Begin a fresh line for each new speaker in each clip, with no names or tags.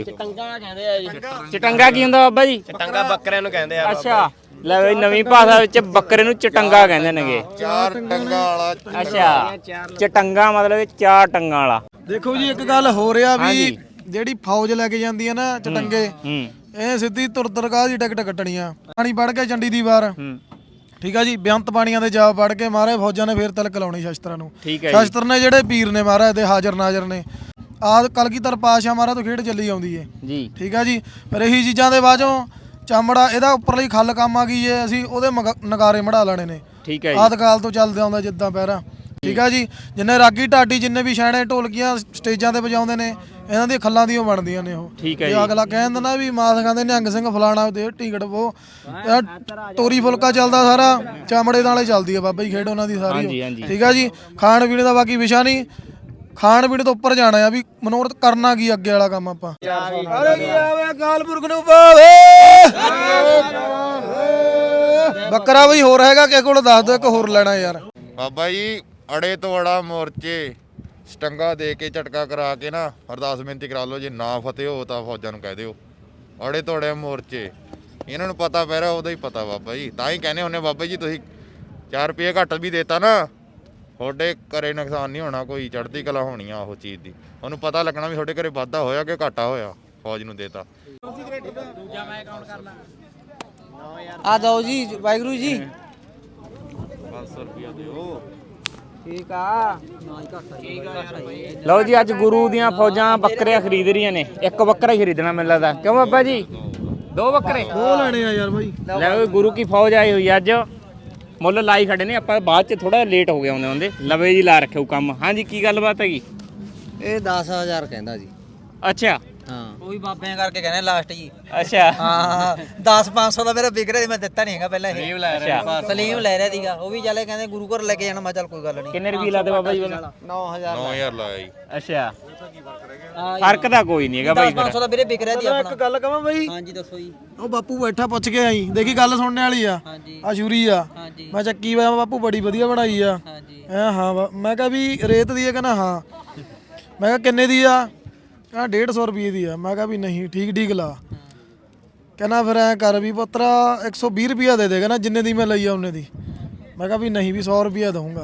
ਚਟੰਗਾ ਕਹਿੰਦੇ ਆ ਜੀ।
ਚਟੰਗਾ ਕੀ ਹੁੰਦਾ ਬਾਬਾ ਜੀ?
ਚਟੰਗਾ ਬੱਕਰਿਆਂ ਨੂੰ ਕਹਿੰਦੇ ਆ।
ਅੱਛਾ ਲੈ ਬਈ ਨਵੀਂ ਭਾਸ਼ਾ ਵਿੱਚ ਬੱਕਰੇ ਨੂੰ ਚਟੰਗਾ ਕਹਿੰਦੇ ਨੇਗੇ।
ਚਾਰ ਟੰਗਾ ਵਾਲਾ।
ਅੱਛਾ ਚਟੰਗਾ ਮਤਲਬ ਚਾਰ ਟੰਗਾਂ ਵਾਲਾ।
ਦੇਖੋ ਜੀ ਇੱਕ ਗੱਲ ਹੋ ਰਿਹਾ ਵੀ ਜਿਹੜੀ ਫੌਜ ਲੈ ਕੇ ਜਾਂਦੀ ਹੈ ਨਾ ਚਟੰਗੇ, ਇਹ ਸਿੱਧੀ ਤੁਰਤਰਗਾਹ ਦੀ ਟਿਕਟ ਕੱਟਣੀਆਂ। ਪਾਣੀ ਪੜ ਕੇ ਚੰਡੀ ਦੀ ਵਾਰ ਠੀਕ ਆ ਜੀ, ਬੇਅੰਤ ਪਾਣੀਆਂ ਦੇ ਜਾ ਪੜ ਕੇ ਮਾਰੇ ਫੌਜਾਂ ਨੇ ਫੇਰ ਤਿਲਕ ਲਾਉਣੀ ਸ਼ਸਤਰਾਂ ਨੂੰ। ਸ਼ਸਤਰ ਨੇ ਜਿਹੜੇ ਪੀਰ ਨੇ ਮਾਰਾ ਤੇ ਹਾਜ਼ਰ ਨਾਜ਼ਰ ਨੇ ਆਦ ਕਲਗੀਧਰ ਪਾਸ਼ਾ ਮਾਰਾ ਤੋਂ ਖੇਡ ਚੱਲੀ ਆਉਂਦੀ ਏ ਜੀ। ਠੀਕ ਆ ਜੀ, ਪਰ ਇਹੀ ਚੀਜ਼ਾਂ ਦੇ ਬਾਝੋਂ ਚਮੜਾ ਇਹਦਾ ਉੱਪਰਲੀ ਖੱਲ ਕੰਮ ਆ ਗਈ ਏ, ਅਸੀਂ ਉਹਦੇ ਨਗਾਰੇ ਮੜਾ ਲੈਣੇ ਨੇ। ਠੀਕ ਹੈ, ਆਦ ਕਾਲ ਤੋਂ ਚੱਲਦੇ ਆਉਂਦਾ ਜਿੱਦਾਂ ਪਹਿਰਾ। ਠੀਕ ਆ ਜੀ, ਜਿੰਨੇ ਰਾਗੀ ਢਾਡੀ ਜਿੰਨੇ ਵੀ ਛੈਣੇ ਢੋਲਕੀਆਂ ਸਟੇਜਾਂ ਤੇ ਵਜਾਉਂਦੇ ਨੇ ਇਹਨਾਂ ਦੀਆਂ ਖੱਲਾਂ ਦੀਆਂ ਬਣਦੀਆਂ ਨੇ ਉਹ। ਜੇ ਅਗਲਾ ਕਹਿੰਦਾ ਨਾ ਵੀ ਮਾਸ ਖਾਂਦੇ ਨਿਹੰਗ ਸਿੰਘ ਫਲਾਣਾ ਦੇ ਟਿਕਟ ਉਹ ਤੋਰੀ ਫੁਲਕਾ ਚੱਲਦਾ ਸਾਰਾ ਚਮੜੇ ਨਾਲੇ ਚੱਲਦੀ ਆ ਬਾਬਾ ਜੀ ਖੇਡ ਉਹਨਾਂ ਦੀ ਸਾਰੀ। ਠੀਕ ਆ ਜੀ, ਖਾਣ ਪੀਣ ਦਾ ਬਾਕੀ ਵਿਸ਼ਾ ਨਹੀਂ, ਖਾਣ ਪੀਣ ਤੋਂ ਉੱਪਰ ਜਾਣਾ ਆ ਵੀ ਮਨੋਰਥ ਕਰਨਾ ਕੀ ਅੱਗੇ ਵਾਲਾ ਕੰਮ ਆਪਾਂ। ਕਾਲਪੁਰਖ ਨੂੰ ਪਾਵੇ ਬੱਕਰਾ ਬਈ ਹੋਰ ਹੈਗਾ ਕਿਸੇ ਕੋਲ ਦੱਸ ਦਿਓ, ਇੱਕ ਹੋਰ ਲੈਣਾ ਯਾਰ।
ਬਾਬਾ ਜੀ ਅੜੇ ਤੋਂ ਅੜਾ ਮੋਰਚੇ ਸਟੰਗਾ ਦੇ ਕੇ ਝਟਕਾ ਕਰਾ ਕੇ ਨਾ ਅਰਦਾਸ ਬੇਨਤੀ ਕਰਾ ਲਓ, ਜੇ ਨਾ ਫਤਿਹ ਹੋ ਤਾਂ ਫੌਜਾਂ ਨੂੰ ਕਹਿ ਦਿਓ ਅੜੇ ਤੋਂ ਅੜੇ ਮੋਰਚੇ। ਇਹਨਾਂ ਨੂੰ ਪਤਾ ਪੈ ਰਿਹਾ ਉਹਦਾ ਹੀ ਪਤਾ ਬਾਬਾ ਜੀ, ਤਾਂ ਹੀ ਕਹਿੰਦੇ ਹੁੰਦੇ ਬਾਬਾ ਜੀ ਤੁਸੀਂ 4 ਰੁਪਏ ਘੱਟ ਵੀ ਦੇਤਾ ਨਾ ਤੁਹਾਡੇ ਘਰੇ ਨੁਕਸਾਨ ਨਹੀਂ ਹੋਣਾ, ਕੋਈ ਚੜ੍ਹਦੀ ਕਲਾ ਹੋਣੀ ਆ ਉਹ ਚੀਜ਼ ਦੀ। ਉਹਨੂੰ ਪਤਾ ਲੱਗਣਾ ਵੀ ਤੁਹਾਡੇ ਘਰੇ ਵਾਧਾ ਹੋਇਆ ਕਿ ਘਾਟਾ ਹੋਇਆ, ਫੌਜ ਨੂੰ ਦੇਤਾ।
ਆ ਦੋ ਜੀ ਵਾਹਿਗੁਰੂ ਜੀ
500 ਰੁਪਿਆ ਦਿਓ।
ਠੀਕ ਆ
ਲਓ ਜੀ ਅੱਜ ਗੁਰੂ ਦੀਆਂ ਫੌਜਾਂ ਬੱਕਰੀਆਂ ਖਰੀਦ ਰਹੀਆਂ ਨੇ। ਇੱਕ ਬੱਕਰਾ ਹੀ ਖਰੀਦਣਾ ਮੈਨੂੰ ਲੱਗਦਾ, ਕਿਉਂ ਬਾਬਾ ਜੀ? 2 ਬੱਕਰੇ
ਉਹ ਲੈਣੇ ਆ ਯਾਰ ਬਾਈ।
ਲੈ ਓਏ ਗੁਰੂ ਕੀ ਫੌਜ ਆਈ ਹੋਈ ਅੱਜ, ਮੁੱਲ ਲਾਈ ਖੜੇ ਨੇ। ਆਪਾਂ ਬਾਅਦ ਚ ਥੋੜਾ ਲੇਟ ਹੋ ਗਏ ਆਉਂਦੇ ਲਵੇ ਜੀ ਲਾ ਰੱਖਿਓ ਕੰਮ। ਹਾਂਜੀ ਕੀ ਗੱਲਬਾਤ ਹੈਗੀ?
ਇਹ 10000 ਕਹਿੰਦਾ ਜੀ।
ਅੱਛਾ
ਹਾਂ ਉਹ ਵੀ ਬਾਬਿਆਂ ਕਰਕੇ ਕਹਿੰਦੇ ਲਾਸਟ ਜੀ।
ਅੱਛਾ
ਹਾਂ 10-500 ਦਾ ਮੇਰਾ ਵਿਕ ਰਿਹਾ ਸੀ, ਮੈਂ ਦਿੱਤਾ ਨਹੀਂ ਹੈਗਾ ਪਹਿਲਾਂ। ਇਹ ਸਲੀਮ ਲੈ ਰਿਹਾ ਸੀਗਾ, ਉਹ ਵੀ ਚੱਲੇ ਕਹਿੰਦੇ ਗੁਰੂ ਘਰ ਲੈ ਕੇ ਜਾਣਾ। ਮੈਂ ਚੱਲ ਕੋਈ ਗੱਲ ਨਹੀਂ।
ਕਿੰਨੇ ਰੁਪਏ ਲਾਦੇ ਬਾਬਾ ਜੀ?
9000 ਲਾਇਆ ਜੀ।
ਅੱਛਾ ਫਰਕ ਤਾਂ ਕੋਈ ਨਹੀਂ ਹੈਗਾ ਬਾਈ।
500 ਦਾ ਵੀਰੇ ਵਿਕ ਰਿਹਾ ਸੀ ਆਪਣਾ।
ਇੱਕ ਗੱਲ ਕਹਾਂ ਬਾਈ।
ਹਾਂਜੀ ਦੱਸੋ ਜੀ।
ਉਹ ਬਾਪੂ ਬੈਠਾ ਪੁੱਛ ਕੇ ਆਈ, ਦੇਖੀ ਗੱਲ ਸੁਣਨੇ ਵਾਲੀ ਆ। ਆ ਸ਼ੂਰੀ ਆ, ਮੈਂ ਚੱਕੀ ਵਾ ਬਾਪੂ ਬੜੀ ਵਧੀਆ ਬਣਾਈ ਆ। ਹਾਂ ਮੈਂ ਕਿਹਾ ਵੀ ਰੇਤ ਦੀ ਆ, ਕਹਿੰਦਾ ਹਾਂ। ਮੈਂ ਕਿਹਾ ਕਿੰਨੇ ਦੀ ਆ? ਕਹਿੰਦਾ 150 ਰੁਪਏ ਦੀ ਆ। ਮੈਂ ਕਿਹਾ ਵੀ ਨਹੀਂ ਠੀਕ ਲਾ। ਕਹਿੰਦਾ ਫਿਰ ਐ ਕਰ ਵੀ ਪੁੱਤਰਾ 120 ਰੁਪਇਆ ਦੇ ਦੇਗਾ ਨਾ ਜਿੰਨੇ ਦੀ ਮੈਂ ਲਈ ਆ ਉਹਨੇ ਦੀ। ਮੈਂ ਕਿਹਾ ਵੀ ਨਹੀਂ ਵੀ 100 ਰੁਪਇਆ ਦਊਂਗਾ।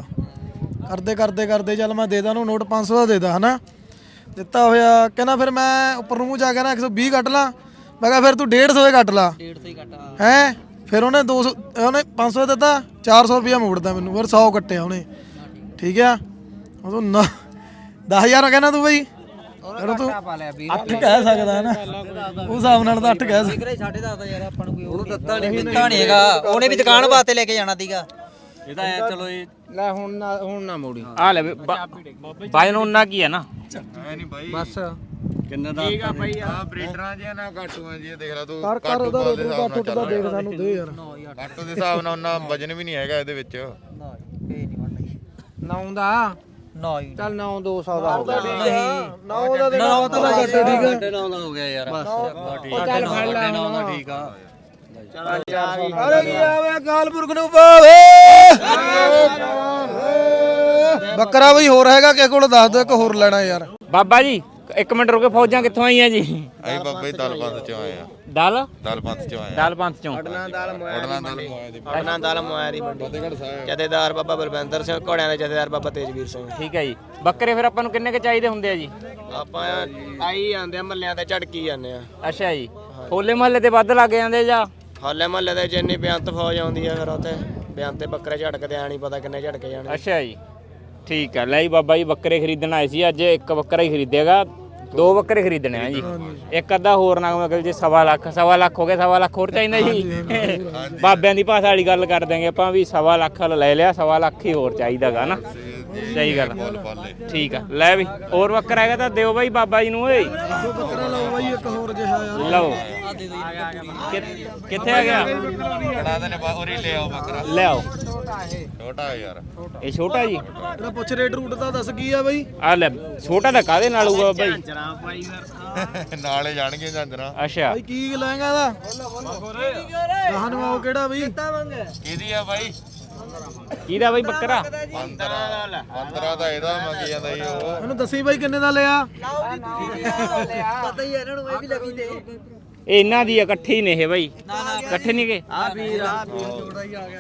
ਕਰਦੇ ਚੱਲ ਮੈਂ ਦੇਦਾ ਉਹਨੂੰ ਨੋਟ 500 ਦਾ ਦੇਦਾ ਹਨਾ। ਦਿੱਤਾ ਹੋਇਆ। ਕਹਿੰਦਾ ਫਿਰ ਮੈਂ ਉੱਪਰ ਨੂੰ ਜਾ ਕੇ ਨਾ 120 ਕੱਟ ਲਾ। ਮੈਂ ਕਿਹਾ ਫਿਰ ਤੂੰ 150 ਦੇ ਕੱਟ ਲਾ।
150 ਹੀ ਕੱਟਾ
ਹੈ ਫਿਰ ਉਹਨੇ 200 ਉਹਨੇ 500 ਦਿੱਤਾ, 400 ਰੁਪਇਆ ਮੋੜਦਾ ਮੈਨੂੰ, ਫਿਰ 100 ਕੱਟਿਆ ਉਹਨੇ। ਠੀਕ ਆ ਉਹ 10,000 ਕਹਿੰਦਾ ਤੂੰ ਬਈ ਤੂੰ 8 ਕਹਿ ਸਕਦਾ ਹੈ ਨਾ ਉਸ ਹਿਸਾਬ ਨਾਲ ਤਾਂ 8 ਕਹਿ ਸਕਦਾ।
10.5 ਯਾਰ ਆਪਾਂ ਨੂੰ ਕੋਈ ਉਹਨੂੰ ਦਿੱਤਾ ਨਹੀਂ ਹੈਗਾ। ਉਹਨੇ ਵੀ ਦੁਕਾਨ ਵਾਸਤੇ ਲੈ ਕੇ ਜਾਣਾ ਸੀਗਾ। ਇਹਦਾ ਐ ਚਲੋ ਇਹ ਲੈ ਹੁਣ ਨਾ ਮੋੜੀ
ਆ ਲੈ ਬਾਈ ਨੂੰ ਉਹਨਾਂ ਕੀ ਹੈ ਨਾ
ਐ ਨਹੀਂ ਬਾਈ
ਬਸ
ਕਿੰਨਾ ਦਾ। ਠੀਕ ਆ ਭਾਈ
ਆ ਬਰੀਡਰਾਂ ਜਿਹਾ ਨਾ ਕਾਟੂਆਂ ਜੀ ਦੇਖ ਲੈ ਤੂੰ।
ਕਰ ਉਹਦਾ ਰੇਟ ਦਾ ਦੇਖ ਸਾਨੂੰ ਦੇ ਯਾਰ।
ਕਾਟੂ ਦੇ ਹਿਸਾਬ ਨਾਲ ਉਹਨਾਂ ਵਜਨ ਵੀ ਨਹੀਂ ਹੈਗਾ ਇਹਦੇ ਵਿੱਚ।
ਨਾ ਇਹ ਨਹੀਂ ਬਣਨਾ
9 ਦਾ
ਨਾ ਹੀ
ਚੱਲ 9 200 ਦਾ ਹੋ ਗਿਆ।
ਨਹੀਂ
ਨਾ ਉਹਦਾ ਦੇ ਨਾ ਤਾਂ ਘੱਟ ਠੀਕ ਆ।
9 ਦਾ ਹੋ ਗਿਆ ਯਾਰ। ਬਸ
ਚੱਲ ਫੜ ਲੈ ਹੁਣ।
ਠੀਕ ਆ।
ਅਰੇ ਕੀ ਆਵੇ ਕਾਲਪੁਰਖ ਨੂੰ ਪਾਵੇ ਬੱਕਰਾ ਬਈ ਹੋਰ ਹੈਗਾ ਕਿਸੇ ਕੋਲ ਦੱਸ ਦਿਓ, ਇੱਕ ਹੋਰ ਲੈਣਾ ਯਾਰ।
ਬਾਬਾ ਜੀ 1 ਮਿੰਟ ਰੁਕੇ, ਫੌਜਾਂ ਕਿੱਥੋਂ ਆਈਆਂ ਜੀ?
ਅਸੀਂ ਬਾਬਾ ਜੀ ਦਲਪੰਥ ਚੋਂ ਆਏ ਆ। ਦਲਪੰਥ ਚੋਂ ਆਏ ਆ।
ਦਲਪੰਥ ਚੋਂ
ਅੜਨਾ
ਦਲ ਮੋਇਆ ਦੀ ਮੰਡੀ। ਜਥੇਦਾਰ ਬਾਬਾ ਬਲਵਿੰਦਰ ਸਿੰਘ, ਘੋੜਿਆਂ ਦੇ ਜਥੇਦਾਰ ਬਾਬਾ ਤੇਜਵੀਰ ਸਿੰਘ।
ਠੀਕ ਹੈ ਜੀ। ਬੱਕਰੇ ਫਿਰ ਆਪਾਂ ਨੂੰ ਕਿੰਨੇ ਕੁ ਚਾਹੀਦੇ ਹੁੰਦੇ ਆ ਜੀ?
ਆਪਾਂ ਆਈ ਜਾਂਦੇ ਆ ਮੱਲਿਆਂ ਤੇ ਝਟਕੀ ਜਾਂਦੇ ਆ।
ਅੱਛਾ ਜੀ, ਹੋਲੇ ਮਹੱਲੇ ਤੇ ਵੱਧ ਲੱਗ ਜਾਂਦੇ ਜਾਂ?
ਹਾਲੇ ਮਹੱਲੇ ਦੇ ਜਿੰਨੀ ਬੇਅੰਤ ਫੌਜ ਆਉਂਦੀ ਆ ਫਿਰ ਉੱਥੇ ਬੇਅੰਤ ਤੇ ਬੱਕਰੇ ਝਟਕਦੇ ਆ, ਨਹੀਂ ਪਤਾ ਕਿੰਨੇ ਝਟਕੇ ਜਾਣੇ।
ਅੱਛਾ ਜੀ ਠੀਕ ਆ। ਲੈ ਜੀ ਬਾਬਾ ਜੀ ਬੱਕਰੇ ਖਰੀਦਣ ਆਏ ਸੀ ਅੱਜ। 1 ਬੱਕਰਾ ਹੀ ਖਰੀਦੇਗਾ, 2 ਬੱਕਰੇ ਖਰੀਦਣੇ ਆ ਜੀ। ਇੱਕ ਅੱਧਾ ਹੋਰ ਨਾ ਮਤਲਬ ਜੇ 1.25 ਲੱਖ ਹੋ ਗਿਆ, 1.25 ਲੱਖ ਹੋਰ ਚਾਹੀਦਾ ਜੀ। ਬਾਬਿਆਂ ਦੀ ਭਾਸ਼ਾ ਵਾਲੀ ਗੱਲ ਕਰ ਦਾਂਗੇ ਆਪਾਂ ਵੀ 1.25 ਲੱਖ ਲੈ ਲਿਆ, 1.25 ਲੱਖ ਹੀ ਹੋਰ ਚਾਹੀਦਾਗਾ ਨਾ। ਸਹੀ ਗੱਲ ਠੀਕ ਆ। ਲੈ ਵੀ ਹੋਰ ਬੱਕਰਾ ਹੈਗਾ ਤਾਂ ਦਿਓ ਬਾਈ ਬਾਬਾ ਜੀ ਨੂੰ। ਓਏ
ਬੱਕਰਾ ਲਓ ਬਾਈ ਇੱਕ ਹੋਰ ਜਿਹਾ ਯਾਰ।
ਲਓ ਕਿੱਥੇ ਆ ਗਿਆ?
ਕੜਾ ਦੇ ਨੇ ਉਰੀ ਲੈ ਆਓ ਬੱਕਰਾ।
ਲੈ ਆਓ।
ਛੋਟਾ ਯਾਰ
ਇਹ ਛੋਟਾ ਜੀ।
ਇਹਦਾ ਪੁੱਛ ਰੇਟ ਰੂਟ ਦਾ ਦੱਸ ਕੀ ਆ ਬਾਈ?
ਆ ਲੈ ਛੋਟਾ ਤਾਂ ਕਾਹਦੇ ਨਾਲ ਹੋਊਗਾ ਬਾਬਾ ਜੀ?
ਨਾਲੇ ਜਾਣਗੇ ਜਾਂਦਰਾ।
ਅੱਛਾ
ਬਾਈ ਕੀ ਲਏਗਾ ਇਹਦਾ? ਕਹਾਂ ਨੂੰ ਆਓ ਕਿਹੜਾ ਬਈ?
ਕਿਹਦੀ ਆ ਬਾਈ?
ਕਿਹਦਾ ਬਾਈ ਬੱਕਰਾ
15 ਦਾ ਇਹਦਾ ਮੰਗੀ ਜਾਂਦਾ ਜੀ ਉਹ।
ਇਹਨੂੰ ਦੱਸੀ ਬਾਈ ਕਿੰਨੇ ਦਾ ਲਿਆ?
ਪਤਾ ਹੀ ਹੈ ਇਹਨਾਂ ਨੂੰ ਇਹ ਵੀ ਲੱਗੀ ਤੇ
ਇਹ ਇਹਨਾਂ ਦੀ ਇਕੱਠੇ ਹੀ ਨੇ ਇਹ ਬਾਈ ਇਕੱਠੇ ਨਹੀਂ ਗਏ
ਆ ਵੀਰ ਜੋੜਾ ਹੀ ਆ ਗਿਆ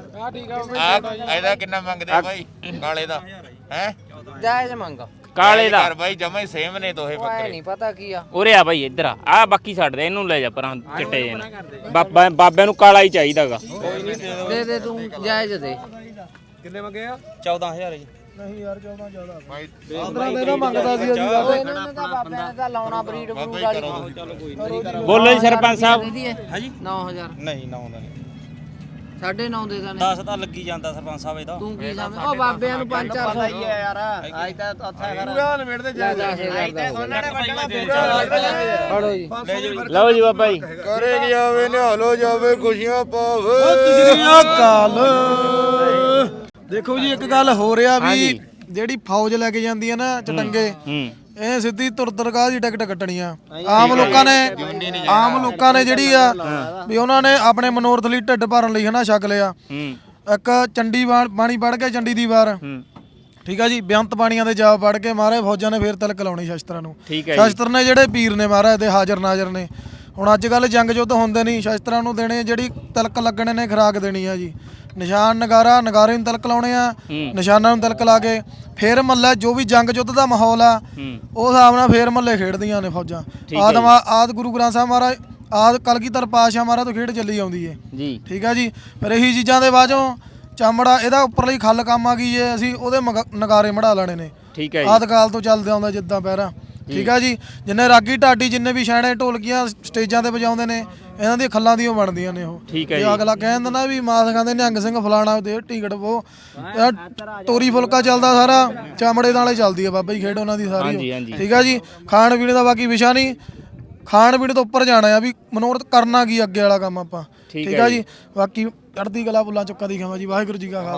ਆ ਇਹਦਾ ਕਿੰਨਾ ਮੰਗਦੇ ਬਾਈ ਕਾਲੇ ਦਾ ਹੈ?
ਜਾਇਜ਼ ਮੰਗ
ਕਾਲੇ ਦਾ
ਯਾਰ ਬਾਈ ਜਮਾ ਹੀ ਸੇਮ ਨੇ ਦੋਹੇ ਬੱਕਰੇ।
ਨਹੀਂ ਪਤਾ ਕੀ ਆ
ਉਰੇ ਆ ਬਾਈ ਇੱਧਰ ਆ ਬਾਕੀ ਛੱਡ ਦੇ ਇਹਨੂੰ ਲੈ ਜਾ ਪਰਾਂ ਚਿੱਟੇ ਜਿਹੇ ਨੂੰ। ਬਾਬਿਆਂ ਨੂੰ ਕਾਲਾ ਹੀ ਚਾਹੀਦਾਗਾ।
ਦੇ ਤੂੰ ਜਾਇਜ਼ ਦੇ
ਕਿੰਨੇ ਮੰਗੇ ਆ?
14000 ਜੀ
ਨਹੀਂ ਯਾਰ 14 ਜ਼ਿਆਦਾ
ਬਾਈ
15 ਦਾ ਇਹਦਾ ਮੰਗਦਾ ਸੀ ਅਸੀਂ ਬਾਬੇ।
ਇਹਨਾਂ ਦਾ ਬਾਬਿਆਂ ਦਾ ਲਾਉਣਾ ਬਰੀਡ
ਬਾਬਾ
ਬਰੂਡ
ਹੀ
ਵਾਲੀ
ਕਰੋ
ਬੋਲੋ ਜੀ ਸਰਪੰਚ ਸਾਹਿਬ।
ਹਾਂਜੀ 9000
ਨਹੀਂ ਨਾ ਆਉਂਦਾ ਨਹੀਂ
9.5 ਦੇ ਦਾਂ
10 ਤਾਂ ਲੱਗੀ ਜਾਂਦਾ ਸਰਪੰਚ ਸਾਹਿਬ ਇਹਦਾ
ਤੂੰ ਕੀ ਸਮਝ ਉਹ ਬਾਬਿਆਂ ਨੂੰ 5-400
ਯਾਰ ਅੱਜ ਤਾਂ ਉੱਥੇ
ਪੂਰਾ ਨਿਬੇੜਦੇ ਜਾ
ਉਹਨਾਂ ਨੇ ਵੱਢਣਾ
ਫੜੋ ਜੀ
ਲਓ ਜੀ ਬਾਬਾ ਜੀ
ਕਰੇ ਜਾਵੇ ਨਿਹਾਲੋ ਜਾਵੇ ਖੁਸ਼ੀਆਂ ਪਾਵੇ।
ਕਾਲ ਦੇਖੋ ਜੀ ਇੱਕ ਗੱਲ ਹੋ ਰਿਹਾ ਵੀ ਜਿਹੜੀ ਫੌਜ ਲੈ ਕੇ ਜਾਂਦੀ ਹੈ ਨਾ ਚਟੰਗੇ ਇਹ ਸਿੱਧੀ ਤੁਰਤਰਗਾਹ ਦੀ ਟਿਕਟ ਕੱਟਣੀ ਆ। ਆਮ ਲੋਕਾਂ ਨੇ ਜਿਹੜੀ ਆ ਵੀ ਉਹਨਾਂ ਨੇ ਆਪਣੇ ਮਨੋਰਥ ਲਈ ਢਿੱਡ ਭਰਨ ਲਈ ਹਨਾ ਛਕ ਲਿਆ। ਇੱਕ ਚੰਡੀ ਬਾਣੀ ਪੜ ਕੇ ਚੰਡੀ ਦੀ ਵਾਰ ਠੀਕ ਆ ਜੀ ਬੇਅੰਤ ਬਾਣੀਆਂ ਦੇ ਜਾਪ ਪੜ ਕੇ ਮਹਾਰਾਜ ਫੌਜਾਂ ਨੇ ਫੇਰ ਤਿਲਕ ਲਾਉਣੀ ਸ਼ਸਤਰਾਂ ਨੂੰ। ਸ਼ਸਤਰ ਨੇ ਜਿਹੜੇ ਪੀਰ ਨੇ ਮਹਾਰਾਜ ਦੇ ਹਾਜ਼ਰ ਨਾਜ਼ਰ ਨੇ। ਹੁਣ ਅੱਜ ਕੱਲ ਜੰਗ ਯੁੱਧ ਹੁੰਦੇ ਨਹੀਂ ਸ਼ਸਤਰਾਂ ਨੂੰ ਦੇਣੇ ਜਿਹੜੀ ਤਿਲਕ ਲੱਗਣੇ ਨੇ ਖੁਰਾਕ ਦੇਣੀ ਆ ਜੀ। ਨਿਸ਼ਾਨ ਨਗਾਰੇ ਨੂੰ ਤਿਲਕ ਲਾਉਣੇ ਆ ਨਿਸ਼ਾਨਾਂ ਨੂੰ ਤਿਲਕ ਲਾ ਕੇ ਫੇਰ ਮੱਲੇ ਜੋ ਵੀ ਜੰਗ ਯੁੱਧ ਦਾ ਮਾਹੌਲ ਆ ਉਹ ਹਿਸਾਬ ਨਾਲ ਫੇਰ ਮੱਲੇ ਖੇਡਦੀਆਂ ਨੇ ਫੌਜਾਂ। ਆਦ ਗੁਰੂ ਗ੍ਰੰਥ ਸਾਹਿਬ ਮਹਾਰਾਜ ਆਦ ਕਲਗੀਧਰ ਪਾਤਸ਼ਾਹ ਮਹਾਰਾਜ ਤੋਂ ਖੇਡ ਚੱਲੀ ਆਉਂਦੀ ਏ
ਜੀ
ਠੀਕ ਆ ਜੀ। ਫਿਰ ਇਹੀ ਚੀਜ਼ਾਂ ਦੇ ਬਾਅਦੋਂ ਚਮੜਾ ਇਹਦਾ ਉੱਪਰਲੀ ਖੱਲ ਕੰਮ ਆ ਗਈ ਏ ਅਸੀਂ ਉਹਦੇ ਨਗਾਰੇ ਮੜਾ ਲੈਣੇ ਨੇ।
ਠੀਕ ਹੈ
ਆਦ ਕਾਲ ਤੋਂ ਚੱਲਦੇ ਆਉਂਦਾ ਜਿੱਦਾਂ ਪਹਿਰਾ ਠੀਕ ਆ ਜੀ। ਜਿੰਨੇ ਰਾਗੀ ਢਾਡੀ ਜਿੰਨੇ ਵੀ ਛੈਣੇ ਢੋਲਕੀਆਂ ਸਟੇਜਾਂ ਤੇ ਵਜਾਉਂਦੇ ਨੇ ਇਹਨਾਂ ਦੀਆਂ ਖੱਲਾਂ ਦੀਆਂ ਬਣਦੀਆਂ ਨੇ ਉਹ। ਜੇ ਅਗਲਾ ਕਹਿੰਦਾ ਨਾ ਵੀ ਮਾਸ ਖਾਂਦੇ ਨਿਹੰਗ ਸਿੰਘ ਫਲਾਣਾ ਦੇ ਟਿਕਟ ਉਹ ਤੋਰੀ ਫੁਲਕਾ ਚੱਲਦਾ ਸਾਰਾ ਚਮੜੇ ਨਾਲੇ ਚੱਲਦੀ ਆ ਬਾਬਾ ਜੀ ਖੇਡ ਉਹਨਾਂ ਦੀ ਸਾਰੀ ਠੀਕ ਆ ਜੀ। ਖਾਣ ਪੀਣ ਦਾ ਬਾਕੀ ਵਿਸ਼ਾ ਨਹੀਂ ਖਾਣ ਪੀਣ ਤੋਂ ਉੱਪਰ ਜਾਣਾ ਆ ਵੀ ਮਨੋਰਥ ਕਰਨਾ ਕੀ ਅੱਗੇ ਵਾਲਾ ਕੰਮ ਆਪਾਂ ਠੀਕ ਆ ਜੀ। ਬਾਕੀ ਚੜ੍ਹਦੀ ਕਲਾ ਬੁੱਲਾਂ ਚੁੱਕਾ ਦੀ ਖਾਵਾਂ ਜੀ। ਵਾਹਿਗੁਰੂ ਜੀ ਕਾ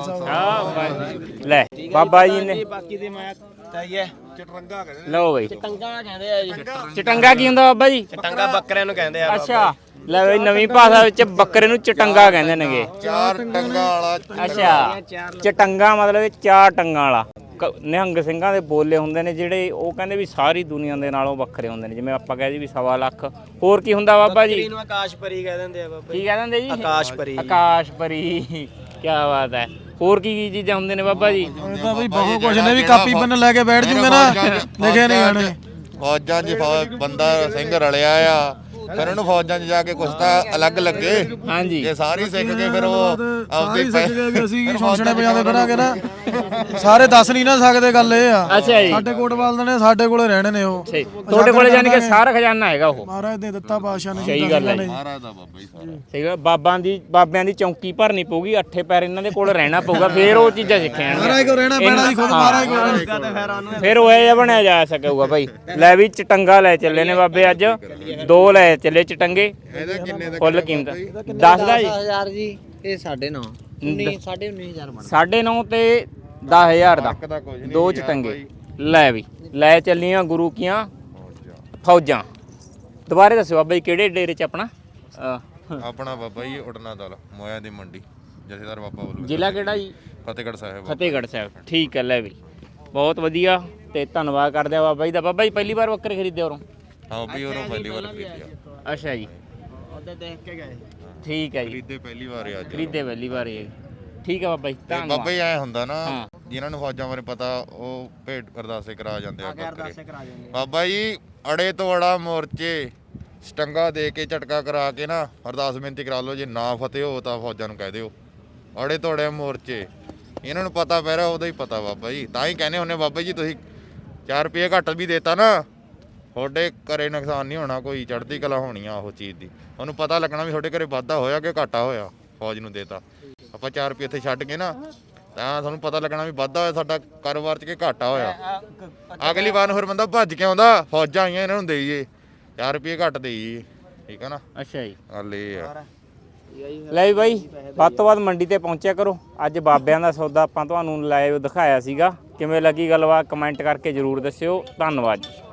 ਖਾਲਸਾ।
ਲੈ ਬਾਬਾ ਜੀ ਨੇ
ਬਾਕੀ ਦੇ ਮੈਂ ਚਾਹੀਏ
ਚਟਰੰਗਾ ਕਹਿੰਦੇ
ਲਓ ਬਈ
ਚਟੰਗਾ ਕਹਿੰਦੇ ਆ ਜੀ।
ਚਟੰਗਾ ਕੀ ਹੁੰਦਾ ਬਾਬਾ ਜੀ?
ਚਟੰਗਾ ਬੱਕਰਿਆਂ ਨੂੰ ਕਹਿੰਦੇ ਆ।
ਅੱਛਾ ਲੈ ਬਈ ਨਵੀਂ ਭਾਸ਼ਾ ਵਿੱਚ ਬੱਕਰੇ ਨੂੰ ਚਟੰਗਾ ਕਹਿੰਦੇ ਨੇਗੇ।
4 ਟੰਗਾ ਵਾਲਾ
ਅੱਛਾ ਚਟੰਗਾ ਮਤਲਬ 4 ਟੰਗਾਂ ਵਾਲਾ। ਨਿਹੰਗ ਸਿੰਘਾਂ ਦੇ ਬੋਲੇ ਹੁੰਦੇ ਨੇ ਜਿਹੜੇ ਉਹ ਕਹਿੰਦੇ ਵੀ ਸਾਰੀ ਦੁਨੀਆ ਦੇ ਨਾਲੋਂ ਵੱਖਰੇ ਹੁੰਦੇ ਨੇ। ਜਿਵੇਂ ਆਪਾਂ ਕਹਿੰਦੇ ਵੀ 1.25 ਲੱਖ। ਹੋਰ ਕੀ ਹੁੰਦਾ ਬਾਬਾ ਜੀ?
ਇਹਨੂੰ ਆਕਾਸ਼ਪਰੀ ਕਹਿ ਦਿੰਦੇ ਆ ਬਾਬਾ।
ਕੀ ਕਹਿ ਦਿੰਦੇ ਜੀ?
ਆਕਾਸ਼ਪਰੀ।
ਆਕਾਸ਼ਪਰੀ ਕੀ ਬਾਤ ਹੈ। ਹੋਰ ਕੀ ਚੀਜ਼ਾਂ ਹੁੰਦੇ ਨੇ ਬਾਬਾ ਜੀ?
ਇਹ ਤਾਂ ਬਈ ਬਹੁਤ ਕੁਝ ਨੇ ਵੀ ਕਾਪੀ ਪੈਨ ਲੈ ਕੇ ਬੈਠ ਜੂਗੇ ਨਾ ਲਿਖੇ ਨਹੀਂ ਆਣੇ।
ਫੌਜਾਂ 'ਚ ਬੰਦਾ ਸਿੰਘ ਰਲਿਆ ਆ ਫਿਰ ਉਹਨੂੰ ਫੌਜਾਂ 'ਚ ਜਾ ਕੇ ਕੁਛ ਤਾਂ ਅਲੱਗ ਲੱਗੇ।
ਹਾਂਜੀ
ਜੇ ਸਾਰੀ ਸਿੱਖ ਕੇ ਫਿਰ ਉਹ
ਆਪਦੀ ਸਿੱਖ ਗਏ ਵੀ ਅਸੀਂ ਸ਼ੋਸ਼ਣੇ ਵਜਾਉਂਦੇ ਫਿਰਾਂਗੇ ਨਾ ਸਾਰੇ ਦੱਸ ਨਹੀਂ ਨਾ ਸਕਦੇ। ਗੱਲ ਇਹ ਆ
ਅੱਛਾ ਜੀ
ਸਾਡੇ ਕੋਟਵਾਲ ਦੇ ਨੇ ਸਾਡੇ ਕੋਲੇ ਰਹਿਣੇ ਨੇ ਉਹ।
ਤੁਹਾਡੇ ਕੋਲੇ ਜਾਨੀ ਕਿ ਸਾਰਾ ਖਜ਼ਾਨਾ ਹੈਗਾ ਉਹ
ਮਹਾਰਾਜ ਨੇ ਦਿੱਤਾ ਪਾਤਸ਼ਾਹ ਨੇ।
ਸਹੀ ਗੱਲ ਹੈ
ਮਹਾਰਾਜ ਦਾ ਬਾਬਾ ਹੀ ਸਾਰਾ।
ਸਹੀ ਗੱਲ। ਬਾਬਿਆਂ ਦੀ ਚੌਂਕੀ ਭਰਨੀ ਪਊਗੀ। 8 ਪੈਰ ਇਹਨਾਂ ਦੇ ਕੋਲ ਰਹਿਣਾ ਪਊਗਾ ਫੇਰ ਉਹ ਚੀਜ਼ਾਂ ਸਿੱਖਿਆ
ਮਹਾਰਾਜ ਕੋ ਰਹਿਣਾ ਪੈਣਾ ਜੀ ਖੁਦ ਮਹਾਰਾਜ ਕੋ ਰਹਿਣਾ।
ਫਿਰ ਉਹ ਇਹ ਬਣਿਆ ਜਾ ਸਕੂਗਾ ਭਾਈ। ਲੈ ਵੀ ਚਟੰਗਾ ਲੈ ਚੱਲੇ ਨੇ ਬਾਬੇ ਅੱਜ 2 ਲੈ ਚੱਲੇ ਚਟੰਗੇ।
ਇਹਦਾ ਕਿੰਨੇ ਦਾ
ਫੁੱਲ ਕੀਮਤ 10 ਦਾ ਜੀ
10000 ਜੀ ਇਹ 9.5 19,500 ਬਣ
9.5 ਤੇ 10000 ਦਾ
ਦਾ ਕੁਝ ਨਹੀਂ
2 ਚਟੰਗੇ। ਲੈ ਵੀ ਲੈ ਚੱਲੀਆਂ ਗੁਰੂ ਕੀਆਂ ਫੌਜਾਂ। ਦੁਬਾਰੇ ਦੱਸਿਓ ਬਾਬਾ ਜੀ ਕਿਹੜੇ ਡੇਰੇ ਚ ਆਪਣਾ?
ਆਪਣਾ ਬਾਬਾ ਜੀ ਉਡਣਾ ਦਲ ਮੋਇਆ ਦੀ ਮੰਡੀ ਜਥੇਦਾਰ ਬਾਬਾ ਵੱਲੋਂ।
ਜ਼ਿਲ੍ਹਾ ਕਿਹੜਾ ਜੀ?
ਫਤਿਹਗੜ੍ਹ ਸਾਹਿਬ।
ਫਤਿਹਗੜ੍ਹ ਸਾਹਿਬ। ਠੀਕ ਹੈ ਲੈ ਵੀ ਬਹੁਤ ਵਧੀਆ ਤੇ ਧੰਨਵਾਦ ਕਰਦੇ ਆ ਬਾਬਾ ਜੀ ਦਾ। ਬਾਬਾ ਜੀ ਪਹਿਲੀ ਵਾਰ ਬੱਕਰੇ ਖਰੀਦੇ ਉਰੋਂ?
ਹਾਂ ਵੀ ਉਹਨੂੰ ਪਹਿਲੀ ਵਾਰ ਖਰੀਦਿਆ।
ਅੱਛਾ ਜੀ
ਉਹਦੇ ਦੇਖ ਕੇ ਗਏ।
ਠੀਕ ਹੈ ਜੀ
ਖਰੀਦੇ ਪਹਿਲੀ ਵਾਰ ਆ ਅੱਜ।
ਖਰੀਦੇ ਪਹਿਲੀ ਵਾਰ ਇਹ। ਠੀਕ ਹੈ ਬਾਬਾ ਜੀ
ਤੇ
ਧੰਨਵਾਦ।
ਬਾਬਾ ਜੀ ਐ ਹੁੰਦਾ ਨਾ ਜਿਨ੍ਹਾਂ ਨੂੰ ਫੌਜਾਂ ਬਾਰੇ ਪਤਾ ਉਹ ਭੇਟ ਅਰਦਾਸੇ ਕਰਾ ਜਾਂਦੇ ਆ ਬੱਕਰੇ। ਬਾਬਾ ਜੀ ਅੜੇ ਤੋਂ ਅੜਾ ਮੋਰਚੇ ਸਟੰਗਾ ਦੇ ਕੇ ਝਟਕਾ ਕਰਾ ਕੇ ਨਾ ਅਰਦਾਸ ਬੇਨਤੀ ਕਰਾ ਲਓ। ਜੇ ਨਾ ਫਤਿਹ ਹੋ ਤਾਂ ਫੌਜਾਂ ਨੂੰ ਕਹਿ ਦਿਓ ਅੜੇ ਤੋਂ ਅੜੇ ਮੋਰਚੇ। ਇਹਨਾਂ ਨੂੰ ਪਤਾ ਪੈ ਰਿਹਾ ਉਹਦਾ ਹੀ ਪਤਾ ਬਾਬਾ ਜੀ। ਤਾਂ ਹੀ ਕਹਿੰਦੇ ਹੁੰਦੇ ਬਾਬਾ ਜੀ ਤੁਸੀਂ 4 ਰੁਪਏ ਘੱਟ ਵੀ ਦੇਤਾ ਨਾ ਤੁਹਾਡੇ ਘਰੇ ਨੁਕਸਾਨ ਨਹੀਂ ਹੋਣਾ ਕੋਈ ਚੜ੍ਹਦੀ ਕਲਾ ਹੋਣੀ ਆ ਉਹ ਚੀਜ਼ ਦੀ। ਉਹਨੂੰ ਪਤਾ ਲੱਗਣਾ ਵੀ ਤੁਹਾਡੇ ਘਰੇ ਵਾਧਾ ਹੋਇਆ ਕਿ ਘਾਟਾ ਹੋਇਆ ਫੌਜ ਨੂੰ ਦੇਤਾ। ਆਪਾਂ 4 ਰੁਪਏ ਇੱਥੇ ਛੱਡ ਕੇ ਨਾ ਤਾਂ ਤੁਹਾਨੂੰ ਪਤਾ ਲੱਗਣਾ ਵੀ ਵਾਧਾ ਹੋਇਆ ਸਾਡਾ ਕਾਰੋਬਾਰ 'ਚ ਕਿ ਘਾਟਾ ਹੋਇਆ। ਅਗਲੀ ਵਾਰ ਨੂੰ ਫਿਰ ਬੰਦਾ ਭੱਜ ਕੇ ਆਉਂਦਾ ਫੌਜਾਂ ਆਈਆਂ ਇਹਨਾਂ ਨੂੰ ਦੇਈਏ 4 ਰੁਪਏ ਘੱਟ ਦੇਈਏ। ਠੀਕ ਹੈ ਨਾ।
ਅੱਛਾ ਜੀ
ਗੱਲ ਇਹ ਆ।
ਲੈ ਵੀ ਬਾਈ ਵੱਧ ਤੋਂ ਵੱਧ ਮੰਡੀ ਤੇ ਪਹੁੰਚਿਆ ਕਰੋ। ਅੱਜ ਬਾਬਿਆਂ ਦਾ ਸੌਦਾ ਆਪਾਂ ਤੁਹਾਨੂੰ ਲਾਈਵ ਦਿਖਾਇਆ ਸੀਗਾ। ਕਿਵੇਂ ਲੱਗੀ ਗੱਲਬਾਤ ਕਮੈਂਟ ਕਰਕੇ ਜ਼ਰੂਰ ਦੱਸਿਓ। ਧੰਨਵਾਦ ਜੀ।